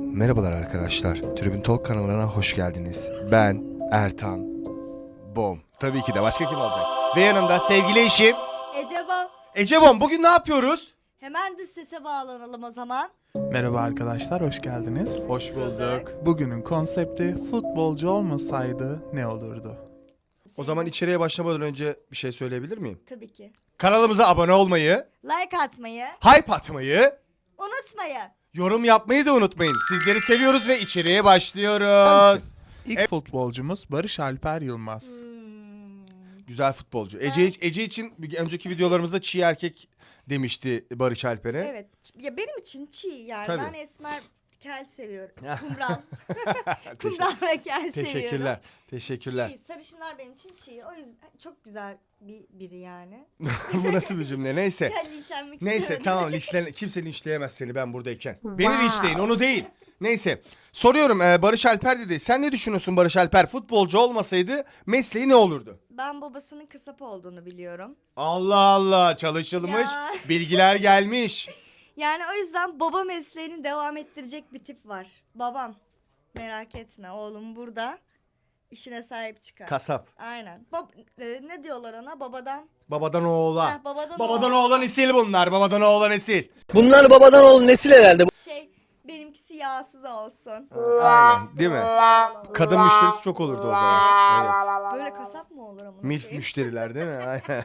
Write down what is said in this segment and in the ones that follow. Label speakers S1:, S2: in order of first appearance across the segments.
S1: Merhabalar arkadaşlar, Tribün Talk kanalına hoş geldiniz. Ben Ertan Bom. Tabii ki de başka kim olacak? Ve yanımda sevgili eşim
S2: Ecebo.
S1: Ece Bom. Bugün ne yapıyoruz?
S2: Hemen dış sese bağlanalım o zaman.
S3: Merhaba arkadaşlar, hoş geldiniz.
S1: Hoş bulduk.
S3: Bugünün konsepti futbolcu olmasaydı ne olurdu?
S1: O zaman içeriye başlamadan önce bir şey söyleyebilir miyim?
S2: Tabii ki.
S1: Kanalımıza abone olmayı,
S2: Like atmayı
S1: hype atmayı,
S2: unutmayın.
S1: yorum yapmayı da unutmayın. Sizleri seviyoruz ve içeriye başlıyoruz.
S3: İlk futbolcumuz Barış Alper Yılmaz.
S1: Güzel futbolcu. Ece için önceki videolarımızda çiğ erkek demişti Barış Alper'e.
S2: Evet. Ya benim için çiğ yani.
S1: Tabii.
S2: Ben esmer kel seviyorum. Kumral. Kumral ve kel seviyorum.
S1: Teşekkürler. Teşekkürler.
S2: Çiğ. Sarışınlar benim için çiğ. O yüzden çok güzel biri yani.
S1: Bu nasıl bir cümle? Neyse.
S2: Gel linçlenmek
S1: Neyse
S2: istiyorum.
S1: tamam kimse linçleyemez seni ben buradayken. Beni linçleyin onu değil. Neyse soruyorum Barış Alper dedi. Sen ne düşünüyorsun Barış Alper? Futbolcu olmasaydı mesleği ne olurdu?
S2: Ben babasının kasap olduğunu biliyorum.
S1: Allah Allah çalışılmış
S2: Ya.
S1: bilgiler gelmiş.
S2: Yani o yüzden baba mesleğini devam ettirecek bir tip var. Babam. Merak etme oğlum burada. İşine sahip çıkar.
S1: Kasap.
S2: Aynen. Ne diyorlar ona?
S1: Babadan oğula.
S2: Heh, babadan
S1: Babadan
S2: oğula.
S1: oğula nesil bunlar. Babadan oğula nesil.
S4: Bunlar babadan oğul nesil herhalde.
S2: Benimkisi yağsız olsun.
S1: Aynen değil mi? Kadın müşterisi çok olurdu o zaman. Evet.
S2: Böyle kasap mı olur ama?
S1: Milf müşteriler değil mi? Aynen.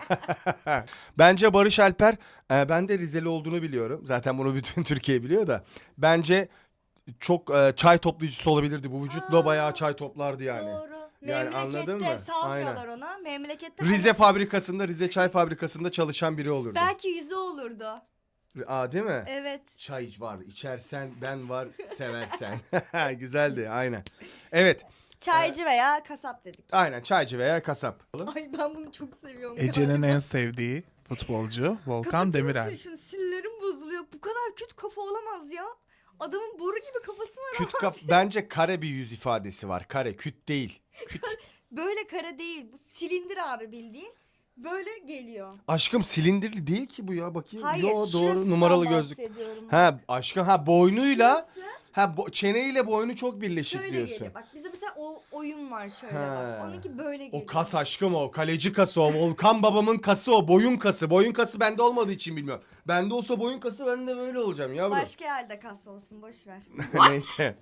S1: Bence Barış Alper, ben de Rizeli olduğunu biliyorum. Zaten bunu bütün Türkiye biliyor da. Bence çok çay toplayıcısı olabilirdi. Bu vücutla bayağı çay toplardı yani.
S2: Doğru.
S1: Yani anladın
S2: Memlekette
S1: mı?
S2: salmıyorlar ona. Memlekette
S1: Rize fabrikasında, Rize çay fabrikasında çalışan biri olurdu.
S2: belki yüzü olurdu.
S1: Aa değil mi?
S2: Evet.
S1: Çay var, içersen ben var, seversen. Güzeldi, aynen. Evet,
S2: Çaycı veya kasap dedik.
S1: aynen çaycı veya kasap.
S2: Ay ben bunu çok seviyorum.
S3: Ece'nin en sevdiği futbolcu Volkan Demirel.
S2: Şunu sinirlerim bozuluyor. Bu kadar kötü kafa olamaz ya. Adamın boru gibi kafası var
S1: Küt
S2: ama
S1: bence kare bir yüz ifadesi var. Kare, küt değil. Küt.
S2: böyle kara değil. Bu silindir abi bildiğin. Böyle geliyor.
S1: Aşkım silindirli değil ki bu ya bakayım.
S2: Hayır,
S1: Yo, doğru
S2: şurasından
S1: numaralı gözlük.
S2: bahsediyorum.
S1: Ha aşkım ha boynuyla
S2: Şurası
S1: çeneyle boynu çok birleşik
S2: şöyle
S1: diyorsun.
S2: geliyor. Bak bizde mesela o oyun var şöyle
S1: Ha.
S2: bak. Onunki böyle geliyor.
S1: O kas aşkım o. Kaleci kası o. Volkan babamın kası o. Boyun kası. Boyun kası bende olmadığı için bilmiyorum. Bende olsa boyun kası ben de böyle olacağım yavrum.
S2: Başka yerde kas olsun boş ver.
S1: Neyse.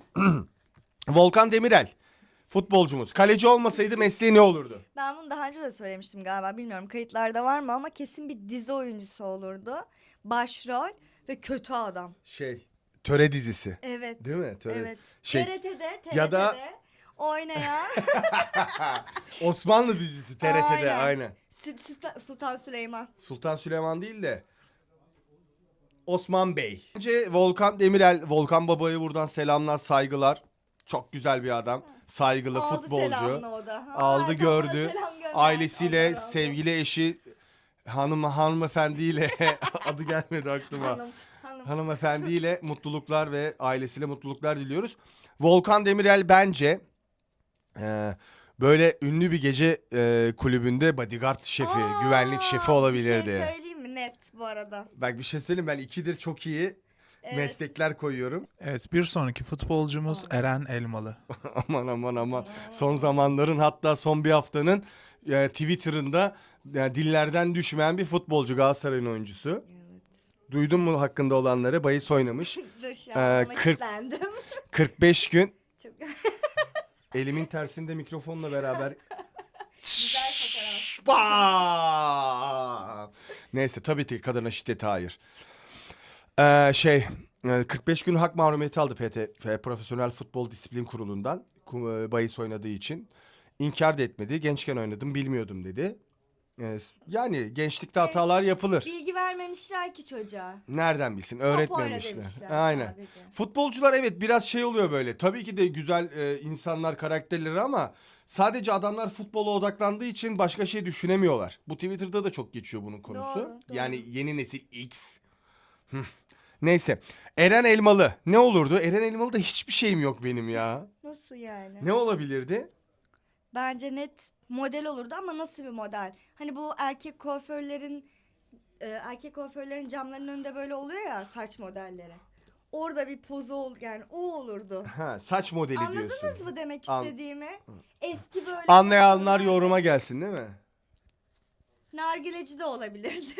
S1: Volkan Demirel. Futbolcumuz. Kaleci olmasaydı mesleği ne olurdu?
S2: Ben bunu daha önce de söylemiştim galiba. Bilmiyorum kayıtlarda var mı ama kesin bir dizi oyuncusu olurdu. Başrol ve kötü adam.
S1: Töre dizisi.
S2: Evet.
S1: Değil mi? Töre.
S2: Evet.
S1: Şey,
S2: TRT'de
S1: ya da-
S2: oynayan
S1: Osmanlı dizisi TRT'de
S2: Aynen.
S1: aynen.
S2: Sultan Süleyman.
S1: Sultan Süleyman değil de Osman Bey. Bence Volkan Demirel, Volkan Baba'yı buradan selamlar, saygılar. Çok güzel bir adam. Saygılı
S2: Aldı
S1: futbolcu.
S2: selamını o da. Ha,
S1: Aldı
S2: tamam,
S1: gördü.
S2: selam gönder.
S1: Ailesiyle,
S2: Allah razı olsun.
S1: sevgili eşi hanımefendiyle adı gelmedi aklıma.
S2: Hanım.
S1: Hanımefendiyle mutluluklar ve ailesiyle mutluluklar diliyoruz. Volkan Demirel bence böyle ünlü bir gece kulübünde bodyguard şefi, güvenlik şefi olabilirdi.
S2: Bir şey söyleyeyim mi? Net bu arada.
S1: Bak bir şey söyleyeyim, ben ikidir çok iyi
S2: Evet.
S1: meslekler koyuyorum.
S3: Evet, bir sonraki futbolcumuz Eren Elmalı.
S1: aman. Son zamanların, hatta son bir haftanın Twitter'ında dillerden düşmeyen bir futbolcu, Galatasaray'ın oyuncusu.
S2: Evet.
S1: Duydun mu hakkında olanları? Bahis oynamış.
S2: Dur şu an
S1: 40
S2: kilitlendim.
S1: 45 gün
S2: Çok
S1: elimin tersinde mikrofonla beraber
S2: güzel fotoğraf.
S1: Bam! Neyse tabii ki kadına şiddete hayır. 45 gün hak mahrumiyeti aldı Profesyonel Futbol Disiplin Kurulu'ndan bahis oynadığı için. İnkar da etmedi. Gençken oynadım bilmiyordum dedi. Yani gençlikte hatalar yapılır.
S2: Bilgi vermemişler ki çocuğa.
S1: Nereden bilsin?
S2: Top oyna
S1: Öğretmemişler.
S2: demişler
S1: Aynen.
S2: sadece.
S1: Futbolcular evet biraz şey oluyor böyle. Tabii ki de güzel insanlar, karakterleri ama sadece adamlar futbola odaklandığı için başka şey düşünemiyorlar. Bu Twitter'da da çok geçiyor bunun konusu.
S2: Doğru.
S1: Yani yeni nesil X. Neyse. Eren Elmalı. Ne olurdu? Eren Elmalı'da hiçbir şeyim yok benim ya.
S2: Nasıl yani?
S1: Ne olabilirdi?
S2: Bence net model olurdu ama nasıl bir model? Hani bu erkek kuaförlerin camlarının önünde böyle oluyor ya saç modelleri. Orada bir pozu ol yani o olurdu.
S1: Ha, saç modeli
S2: Anladınız
S1: diyorsun.
S2: mı demek
S1: An-
S2: istediğimi? Eski böyle
S1: Anlayanlar
S2: fotoğraflar-
S1: yoruma gelsin değil mi?
S2: Nargileci de olabilirdi.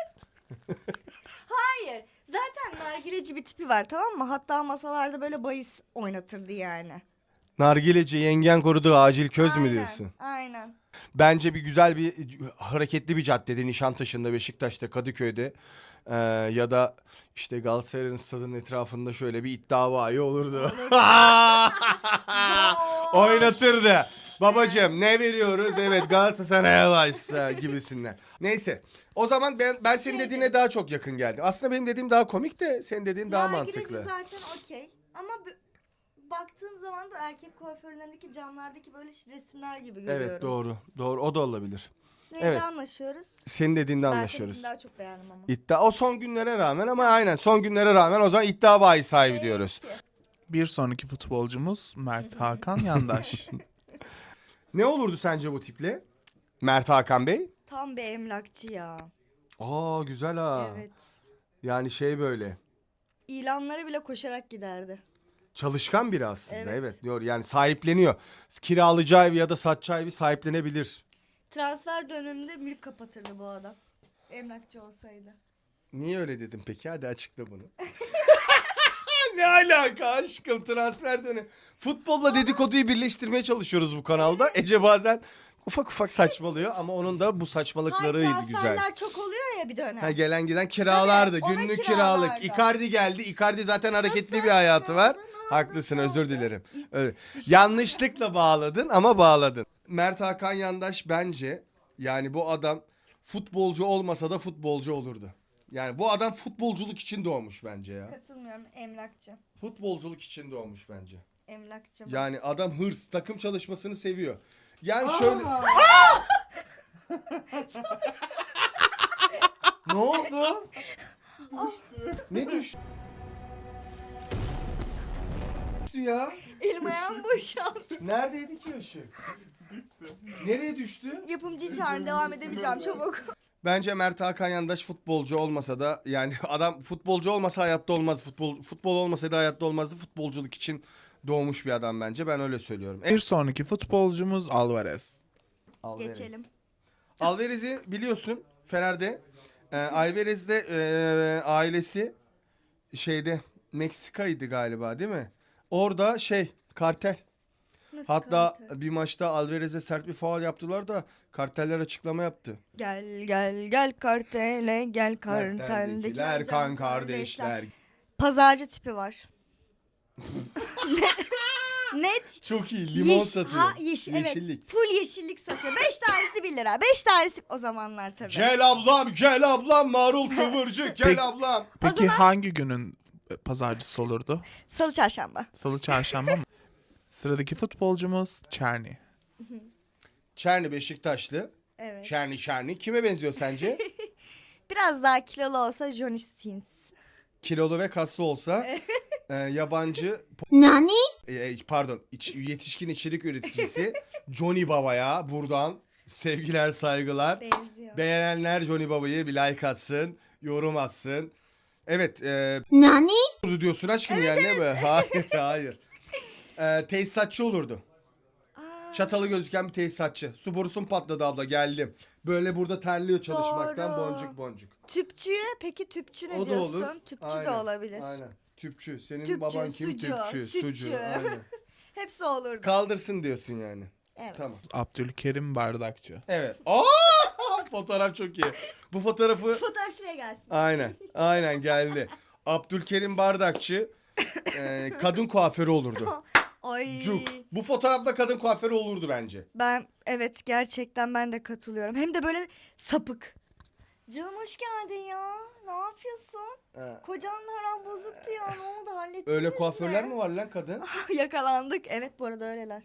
S2: Hayır. Zaten nargileci bir tipi var, tamam mı? Hatta masalarda böyle bahis oynatırdı yani.
S1: Nargileci yengen koruduğu acil köz mü
S2: Aynen,
S1: diyorsun?
S2: Aynen.
S1: Bence bir güzel bir hareketli bir caddede Nişantaşı'nda, Beşiktaş'ta, Kadıköy'de ya da işte Galatasaray'ın stadının etrafında şöyle bir iddia bayi olurdu. Oynatırdı. Babacım ne veriyoruz? Evet Galatasaray'a başla gibisinden. Neyse. O zaman ben senin dediğine daha çok yakın geldim. Aslında benim dediğim daha komik de senin dediğin daha
S2: Nargileci
S1: mantıklı.
S2: zaten okey. Ama baktığım zaman da erkek kuaförlerindeki camlardaki böyle resimler gibi görüyorum.
S1: Evet doğru. Doğru o da olabilir.
S2: Neyde
S1: evet.
S2: anlaşıyoruz?
S1: Senin dediğinde
S2: Ben
S1: anlaşıyoruz.
S2: seninkini daha çok beğendim ama.
S1: İddia o son günlere rağmen ama aynen son günlere rağmen o zaman iddia bayi sahibi diyoruz.
S2: Peki.
S3: Bir sonraki futbolcumuz Mert Hakan Yandaş.
S1: Ne olurdu sence bu tiple? Mert Hakan Bey?
S2: Tam bir emlakçı ya.
S1: Aa güzel ha.
S2: Evet.
S1: Yani şey böyle
S2: İlanlara bile koşarak giderdi.
S1: çalışkan biri aslında.
S2: Evet.
S1: Evet diyor yani sahipleniyor. Kiralayacağı evi ya da satacağı evi sahiplenebilir.
S2: Transfer döneminde mülk kapatırdı bu adam. Emlakçı olsaydı.
S1: Niye öyle dedim peki? Hadi açıkla bunu. Ne alaka aşkım transfer dönemi. Futbolla dedikoduyu birleştirmeye çalışıyoruz bu kanalda. Ece bazen ufak ufak saçmalıyor ama onun da bu saçmalıklarıyla
S2: Hayır,
S1: güzel.
S2: transferler çok oluyor ya bir dönem.
S1: Ha, gelen giden kiralardı.
S2: Tabii, ona
S1: Günlük
S2: kiralardı.
S1: kiralık. Icardi geldi. Icardi zaten hareketli
S2: Nasıl?
S1: bir hayatı
S2: Ne
S1: var.
S2: oldu, ne oldu,
S1: Haklısın
S2: ne
S1: özür
S2: oldu?
S1: dilerim. Evet. Yanlışlıkla bağladın ama bağladın. Mert Hakan Yandaş bence yani bu adam futbolcu olmasa da futbolcu olurdu. Yani bu adam futbolculuk için doğmuş bence ya.
S2: Katılmıyorum, emlakçı.
S1: Futbolculuk için doğmuş bence.
S2: Emlakçı.
S1: Yani adam hırs, takım çalışmasını seviyor. Yani şöyle... Ne oldu? Ne düştü? Ya.
S2: Elim ayağım boşaldı.
S1: Neredeydi ki ışık? Nereye düştü?
S2: Yapımcı çağırın, devam edemeyeceğim çabuk.
S1: Bence Mert Hakan Yandaş futbolcu olmasa da yani adam futbolcu olmasa hayatta olmaz. Futbol olmasaydı hayatta olmazdı. Futbolculuk için doğmuş bir adam bence. Ben öyle söylüyorum.
S3: Bir sonraki futbolcumuz Alvarez.
S1: Alvarez.
S2: Geçelim.
S1: Alvarez'i biliyorsun Fener'de. Alvarez de ailesi şeyde Meksika'ydı galiba değil mi? Orada kartel.
S2: Nasıl
S1: Hatta
S2: kalite?
S1: bir maçta Alvarez'e sert bir faul yaptılar da karteller açıklama yaptı.
S2: Gel gel gel kartele gel
S1: Karteldekiler kan kardeşler.
S2: Pazarcı tipi var. Net.
S1: Çok iyi limon satıyor.
S2: Yeşillik.
S1: Yeşillik.
S2: Evet. Full yeşillik satıyor. 5 tanesi 1 lira. 5 tanesi o zamanlar tabii.
S1: Gel ablam marul kıvırcık gel
S3: Peki.
S1: ablam.
S3: Peki hangi günün pazarcısı olurdu?
S2: Salı çarşamba.
S3: Salı, çarşamba mı? Sıradaki futbolcumuz Çerni.
S1: Çerni Beşiktaşlı.
S2: Evet.
S1: Çerni. Kime benziyor sence?
S2: Biraz daha kilolu olsa Johnny Sins.
S1: Kilolu ve kaslı olsa yabancı pardon yetişkin içerik üreticisi Johnny Baba'ya buradan sevgiler saygılar.
S2: Benziyor.
S1: Beğenenler Johnny Baba'yı bir like atsın, yorum atsın. Evet. Diyorsun aşkım yani değil mi? Hayır. Tesisatçı olurdu.
S2: Aa,
S1: Çatalı gözüken bir tesisatçı. Su borusun patladı abla geldim. Böyle burada terliyor çalışmaktan
S2: Doğru.
S1: boncuk.
S2: tüpçüye peki tüpçü ne
S1: O da
S2: diyorsun?
S1: olur.
S2: Tüpçü de olabilir.
S1: Aynen. Tüpçü. Senin
S2: Tüpçü,
S1: baban kim?
S2: sucu,
S1: Tüpçü.
S2: sütçü.
S1: Sucu. Aynen.
S2: Hepsi olurdu.
S1: Kaldırsın diyorsun yani.
S2: Evet.
S1: Tamam.
S3: Abdülkerim Bardakçı.
S1: Evet. Fotoğraf çok iyi. Bu fotoğrafı
S2: Fotoğraf şuraya gelsin.
S1: aynen geldi. Abdülkerim Bardakçı kadın kuaförü olurdu.
S2: Ay.
S1: Cuk. Bu fotoğrafta kadın kuaförü olurdu bence.
S2: Evet gerçekten ben de katılıyorum. Hem de böyle sapık. Canım hoş geldin ya. Ne yapıyorsun? Kocanla aran bozuktu ya. Ne oldu hallettiniz
S1: Öyle kuaförler
S2: mi?
S1: mi var lan kadın?
S2: Yakalandık. Evet bu arada öyleler.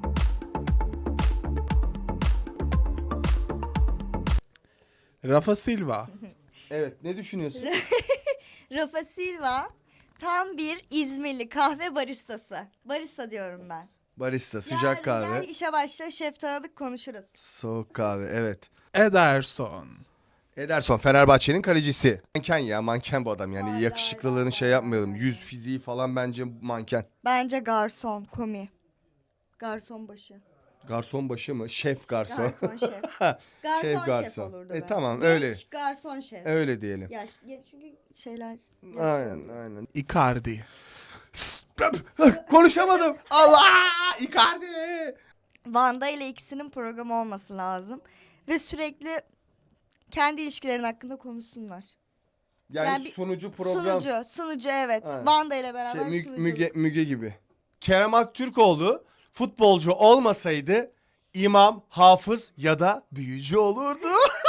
S3: Rafa Silva.
S1: Evet ne düşünüyorsun?
S2: Rafa Silva tam bir İzmirli kahve baristası. Barista diyorum ben.
S1: Barista sıcak
S2: Yarın
S1: kahve.
S2: gel işe başla şef tanıdık konuşuruz.
S1: Soğuk kahve evet.
S3: Ederson.
S1: Ederson Fenerbahçe'nin kalecisi. Manken ya, manken bu adam yani
S2: Hayır,
S1: yakışıklılığını
S2: hayır,
S1: şey
S2: hayır,
S1: yapmayalım.
S2: hayır.
S1: Yüz fiziği falan bence manken.
S2: Bence garson, komi. Garson başı.
S1: Garson başı mı? Şef garson.
S2: Garson şef. Garson şef,
S1: garson.
S2: olurdu.
S1: Tamam,
S2: Genç
S1: öyle.
S2: garson şef.
S1: Öyle diyelim.
S2: Yaş, çünkü şeyler.
S1: Aynen aynen.
S3: Icardi.
S1: Konuşamadım. Allah! Icardi.
S2: Vanda ile ikisinin programı olması lazım. Ve sürekli kendi ilişkilerin hakkında konuşsunlar.
S1: Yani
S2: bir
S1: sunucu program.
S2: Sunucu evet.
S1: Ha.
S2: Vanda ile beraber
S1: Şey,
S2: sunucu.
S1: Müge gibi. Kerem Aktürkoğlu futbolcu olmasaydı imam, hafız ya da büyücü olurdu.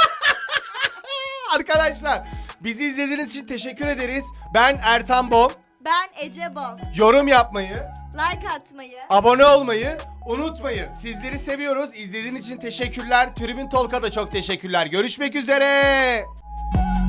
S1: Arkadaşlar bizi izlediğiniz için teşekkür ederiz. Ben Ertan Bom.
S2: Ben Ece Bom.
S1: Yorum yapmayı,
S2: Like atmayı.
S1: abone olmayı unutmayın. Sizleri seviyoruz. İzlediğiniz için teşekkürler. Tribün Tolk'a da çok teşekkürler. Görüşmek üzere.